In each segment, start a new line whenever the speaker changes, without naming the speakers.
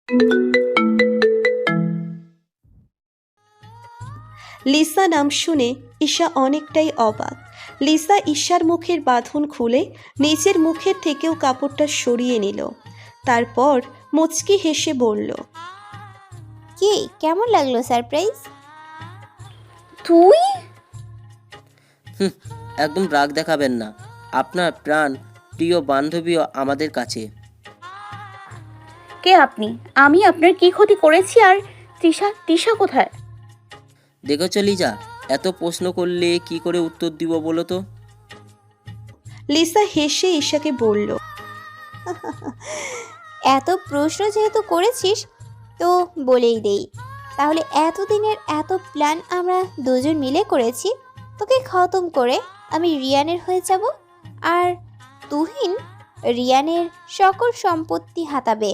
Lisa নাম শুনে ঈশা অনেকটাই অবাক। লিসা ঈশার মুখের বাঁধন খুলে নিজের মুখের থেকেও কাপড়টা সরিয়ে নিল। তারপর মুচকি হেসে বলল,
কি কেমন লাগলো সারপ্রাইজ?
তুই?
হুম, একদম রাগ দেখাবেন না। আপনার প্রাণ প্রিয় বান্ধবীও আমাদের কাছে।
কে আপনি? আমি আপনার কি ক্ষতি করেছি? আর তৃষা তৃষা কোথায়?
দেখেছ লিজা, এত প্রশ্ন করলে কি করে উত্তর দিব বলো তো?
লিসা হেসে ঈশাকে বলল,
এত প্রশ্ন যেহেতু করেছিস তো বলেই দেই, তাহলে এতদিনের এত প্ল্যান আমরা দুজন মিলে করেছি। তোকে খতম করে আমি রিয়ানের হয়ে যাব, আর তুহিন রিয়ানের সকল সম্পত্তি হাতাবে।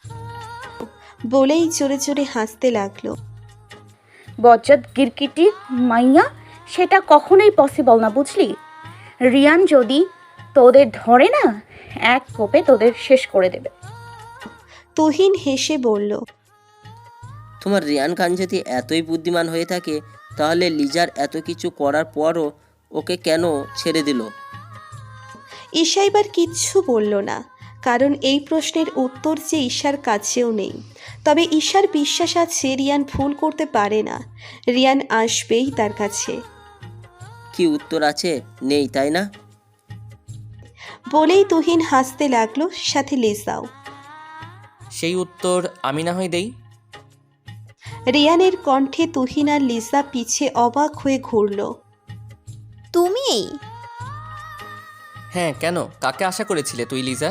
বলেই জোরে জোরে হাসতে লাগলো।
বজ্জাত গিরকিটি মাইয়া, সেটা কখনোই পসিবল না, বুঝলি? রিয়ান যদি তোদের ধরে না, এক কোপে তোদের শেষ করে দেবে।
তুহিন হেসে বলল,
তোমার রিয়ান খান যদি এতই বুদ্ধিমান হয়ে থাকে, তাহলে লিজার এত কিছু করার পরও ওকে কেন ছেড়ে দিল?
ঈশা এবার কিচ্ছু বলল না, কারণ এই প্রশ্নের উত্তর যে ঈশার কাছেও নেই। তবে ঈশার বিশ্বাস আছে রিয়ান ভুল করতে পারে না, রিয়ান আসবেই তার কাছে।
কি উত্তর আছে? নেই, তাই না?
বলেই তুহিন হাসতে লাগলো, সাথে লিসাও।
সেই উত্তর আমি না হয় দেই।
রিয়ানের কণ্ঠে তুহিন আর লিসা পিছে অবাক হয়ে ঘুরল।
তুমি?
হ্যাঁ, কেন? কাকে আশা করেছিলে তুই, লিজা?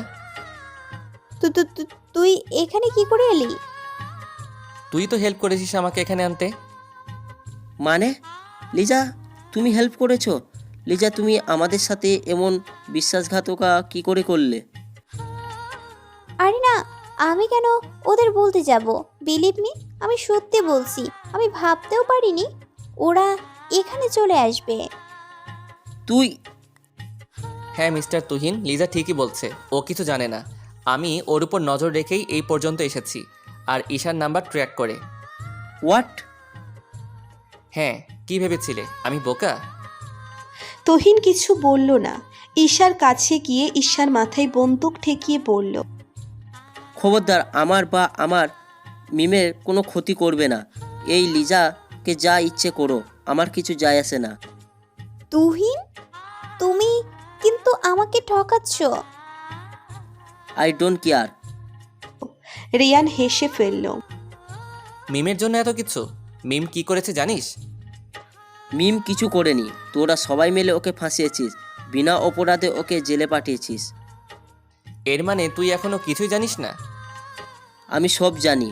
তুই এখানে কি করে এলি?
তুই তো হেল্প করেছিস আমাকে এখানে আনতে।
মানে? লিজা, তুমি হেল্প করেছো? লিজা, তুমি আমাদের সাথে এমন বিশ্বাসঘাতকা কি করে করলে?
আরে না, আমি কেন ওদের বলতে যাব? বিলিভ মি, আমি সত্যি বলছি, আমি ভাবতেও পারিনি ওরা এখানে চলে আসবে।
তুই?
হ্যাঁ মিস্টার তুহিন, লিজা ঠিকই বলছে, ও কিছু জানে না। আমি ওর উপর নজর রেখেই এই পর্যন্ত এসেছি, আর ঈশার নাম্বার ট্র্যাক করে।
হোয়াট?
হ্যাঁ, কি ভেবেছিলে আমি বোকা?
তুহিন কিছু বলল না। ঈশার কাছে গিয়ে ঈশার মাথায় বন্দুক ঠেকিয়ে বলল,
খবরদার আমার বা আমার মিমের কোনো ক্ষতি করবে না। এই লিজাকে যা ইচ্ছে করো, আমার কিছু যায় আসে না।
তুহিন, তুমি কিন্তু আমাকে ঠকাচ্ছ।
I don't care.
রিয়ান হেসে ফেলল।
মিমের জন্য এত কিছু? মিম কি করেছে জানিস?
মিম কিছু করেনি, তোরা সবাই মিলে ওকে ফাঁসিয়েছিস, বিনা অপরাধে ওকে জেলে পাঠিয়েছিস।
এর মানে তুই এখনো কিছুই জানিস না?
আমি সব জানি।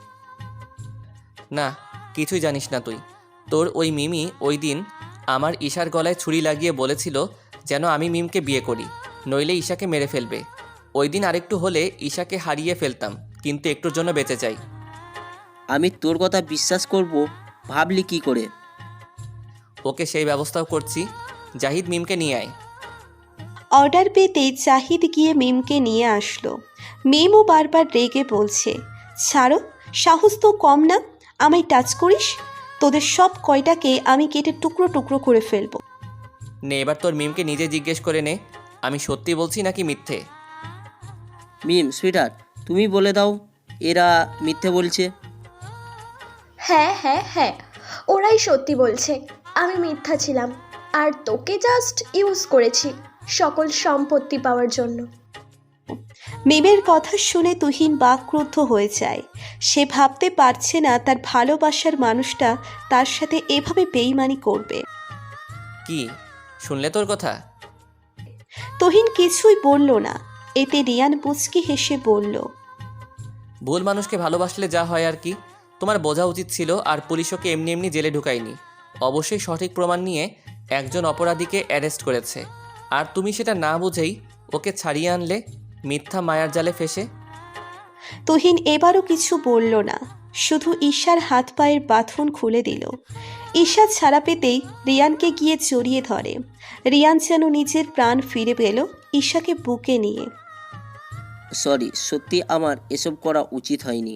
না, কিছুই জানিস না তুই। তোর ওই মিমি ওই দিন আমার ঈশার গলায় ছুরি লাগিয়ে বলেছিল যেন আমি মিমকে বিয়ে করি, নইলে ঈশাকে মেরে ফেলবে। ওই দিন আরেকটু হলে ঈশাকে হারিয়ে ফেলতাম, কিন্তু একটুর জন্য বেঁচে যাই।
আমি তোর কথা বিশ্বাস করব ভাবলি কি করে?
ওকে সেই ব্যবস্থাও করছি। জাহিদ, মিমকে নিয়ে আয়।
অর্ডার পেতেই জাহিদ গিয়ে মিমকে নিয়ে আসলো। মিমও বারবার রেগে বলছে, ছাড়ো, সাহস তো কম না, আমায় টাচ করিস, তোদের সব কয়টাকে আমি কেটে টুকরো টুকরো করে ফেলবো।
নে, এবার তোর মিমকে নিজে জিজ্ঞেস করে নে, আমি সত্যি বলছি নাকি মিথ্যে।
মিম সুইটহার্ট, তুমি বলে দাও এরা মিথ্যে বলছে।
হ্যাঁ হ্যাঁ হ্যাঁ, ওরাই সত্যি বলছে। আমি মিথ্যা ছিলাম, আর তোকে জাস্ট ইউজ করেছি সকল সম্পত্তি পাওয়ার জন্য।
মিমের কথা শুনে তুহিন বাকরুদ্ধ হয়ে যায়। সে ভাবতে পারছে না তার ভালোবাসার মানুষটা তার সাথে এভাবে বেইমানি করবে।
কি শুনলে তোর কথা?
তুহিন কিছুই বলল না। এতে রিয়ান মুচকি হেসে বলল,
ভুল মানুষকে ভালোবাসলে যা হয় আর কি। তোমার বোঝা উচিত ছিল, আর পুলিশ ওকে এমনি এমনি জেলে ঢুকায়নি। অবশ্যই সঠিক প্রমাণ নিয়ে একজন অপরাধীকে অ্যারেস্ট করেছে, আর তুমি সেটা না বুঝেই ওকে ছাড়িয়ে আনলে মিথ্যা মায়ার জালে ফেসে।
তুহিন এবারও কিছু বলল না, শুধু ঈশার হাত পায়ের বাঁধন খুলে দিল। ঈশা ছাড়া পেতেই রিয়ানকে গিয়ে জড়িয়ে ধরে। রিয়ান যেন নিজের প্রাণ ফিরে পেল ঈশাকে বুকে নিয়ে।
সরি, সত্যি আমার এসব করা উচিত হয়নি।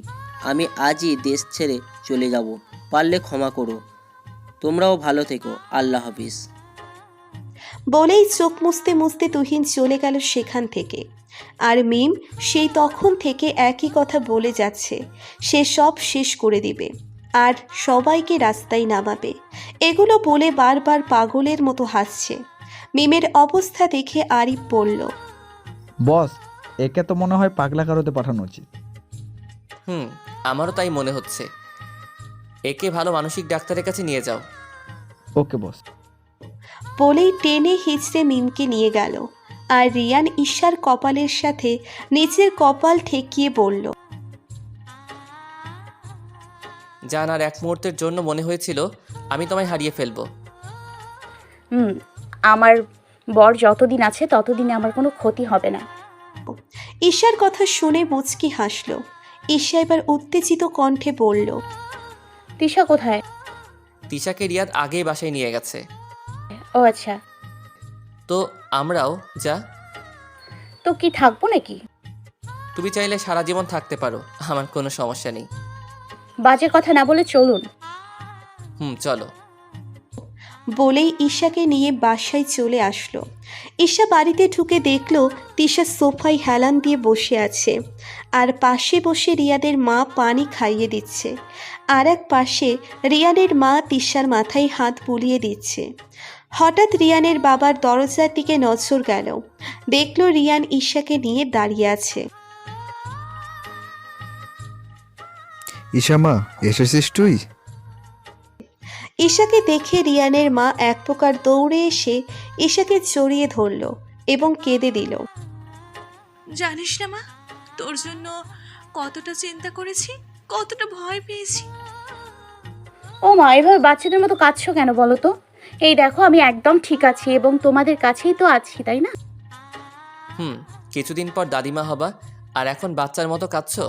আমি আজই দেশ ছেড়ে চলে যাব, পারলে ক্ষমা করো। তোমরাও ভালো থেকো, আল্লাহ হাফিজ।
বলেই চোখ মুছতে মুছতে তুহিন চলে গেল সেখান থেকে। আর মিম সেই তখন থেকে একই কথা বলে যাচ্ছে, সে সব শেষ করে দিবে আর সবাইকে রাস্তায় নামাবে। এগুলো বলে বারবার পাগলের মতো হাসছে। মিমের অবস্থা দেখে আরিফ বলল,
বস, একে তো মনে হয় পাগলা কারোতে পাঠানো উচিত।
আমারও তাই মনে হচ্ছে। একে ভালো মানসিক ডাক্তারের কাছে নিয়ে যাও।
ওকে বস।
বলেই টেনে হিঁচড়ে মিমকে নিয়ে গেল। আর রিয়ান ঈশার কপালের সাথে নিচের কপাল ঠেকিয়ে বলল,
জান, আর এক মুহূর্তের জন্য মনে হয়েছিল আমি তোমায় হারিয়ে ফেলবো।
আমার বর যতদিন আছে ততদিনে আমার কোনো ক্ষতি হবে না।
ঈশার কথা শুনে মুচকি হাসল। ঈশা এবার উত্তেজিত কণ্ঠে বলল,
তিশা কোথায়?
তিশাকে রিয়াদ আগেই বাসায় নিয়ে গেছে।
ও আচ্ছা,
তো আমরাও যা।
তো কি থাকবো নাকি?
তুমি চাইলে সারা জীবন থাকতে পারো, আমার কোনো সমস্যা নেই।
বাজে কথা না বলে চলুন।
চলো।
বলেই ঈশাকে নিয়ে বাসায় চলে আসলো। ঈশা বাড়িতে ঢুকে দেখলো তিশা সোফায় হেলান দিয়ে বসে আছে, আর পাশে বসে রিয়াদের মা পানি খাইয়ে দিচ্ছে। আর এক পাশে রিয়ানের মা তিশার মাথায় হাত বুলিয়ে দিচ্ছে। হঠাৎ রিয়ানের বাবার দরজার দিকে নজর গেল, দেখলো রিয়ান ঈশাকে নিয়ে দাঁড়িয়ে আছে।
ঈশা মা, এসেছিস তুই?
ঈশাকে দেখে রিয়ানের মা এক প্রকার দৌড়ে এসে ঈশাকে জড়িয়ে ধরল এবং কেঁদে দিল।
জানিস না মা, তোর জন্য কতটা চিন্তা করেছি, কতটা ভয় পেয়েছি।
ও মা, এভাবে বাচ্চাদের মতো কাঁদছো কেন বলো তো? এই দেখো, আমি একদম ঠিক আছি এবং তোমাদের কাছেই তো আছি, তাই না?
কিছুদিন পর দাদিমা হবা, আর এখন বাচ্চার মতো কাঁদছো?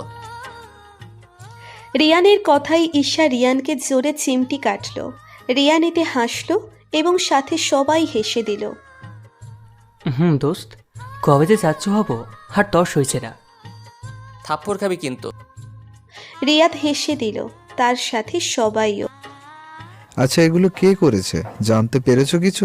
রিয়ানের কথাই ঈশা রিয়ানকে জোরে চিমটি কাটল। রিয়ান এতে হাসল এবং সাথে সবাই হেসে দিল।
দোস্ত, কবে যে যাচ্ছ হব আর তর্স হয়েছে না।
থাপ্পড় খাবি কিন্তু।
রিয়াদ হেসে দিল, তার সাথে সবাইও।
আচ্ছা, এগুলো কে করেছে, জানতে পেরেছো কিছু?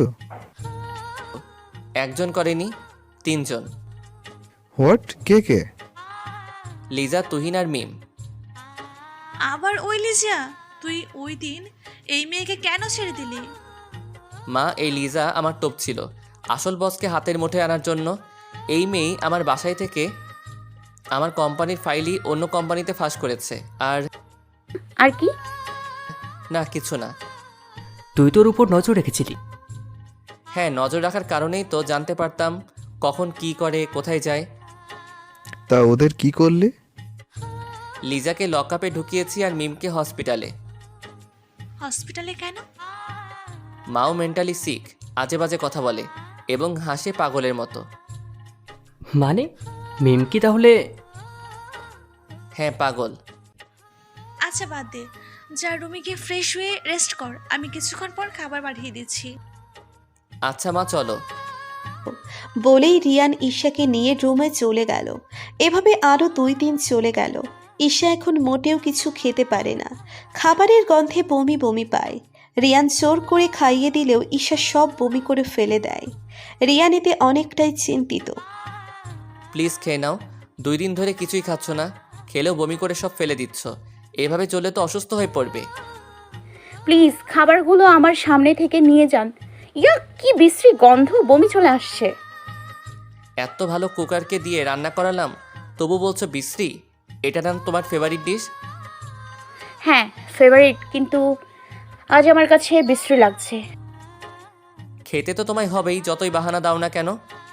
একজন করেনি, 3 জন।
হোয়াট? কে কে?
লিজা, তুহিন আর মিম।
আবার ওই লিজা? তুই ওই দিন এই মেয়েকে কেন ছেড়ে দিলি?
মা, এই লিজা আমার টোপ ছিল আসল বসকে হাতের মুঠে আনার জন্য। এই মেয়েই আমার বাসায় থেকে আমার কোম্পানির ফাইলই অন্য কোম্পানিতে ফাঁস করেছে।
আর কি?
না, কিছু না।
তুই তোর উপর নজর রেখেছিলি।
হ্যাঁ, নজর রাখার কারণেই তো জানতে পারতাম কখন কি করে, কোথায় যায়।
তা ওদের কি করলে?
লিজাকে লকআপে ঢুকিয়েছি আর মিমকে হসপিটালে।
হসপিটালে কেন?
মাও মেন্টালি সিক, আজে বাজে কথা বলে এবং হাসে পাগলের মতো।
মানে মিম কি তাহলে?
হ্যাঁ, পাগল।
আচ্ছা বাদ দে, যা রুমে গিয়ে ফ্রেশ হয়ে রেস্ট কর, আমি কিছুক্ষণ পর খাবার পাঠিয়ে দিচ্ছি।
আচ্ছা মা, চলো।
বলেই রিয়ান ঈশাকে নিয়ে রুমে চলে গেল। এভাবে আরও 2 দিন চলে গেল। ঈশা এখন মোটেও কিছু খেতে পারে না, খাবারের গন্ধে বমি বমি পায়। রিয়ান জোর করে খাইয়ে দিলেও ঈশা সব বমি করে ফেলে দেয়। রিয়ান এতে অনেকটাই চিন্তিত।
প্লিজ খেয়ে নাও, 2 দিন ধরে কিছুই খাচ্ছ না, খেলেও বমি করে সব ফেলে দিচ্ছ। এভাবে চললে তো অসুস্থ হয়ে পড়বে।
প্লিজ খাবারগুলো আমার সামনে থেকে নিয়ে যান। ইয়া, কি বিশ্রী গন্ধ, বমি চলে আসছে।
এত ভালো কুকারকে দিয়ে রান্না করালাম, তবু বলছো বিশ্রী? এটা না তোমার ফেভারিট ডিশ?
হ্যাঁ, ফেভারিট, কিন্তু আজ আমার কাছে বিশ্রী লাগছে।
খেতে তো তোমায় হবেই, যতই বাহানা দাও না কেন।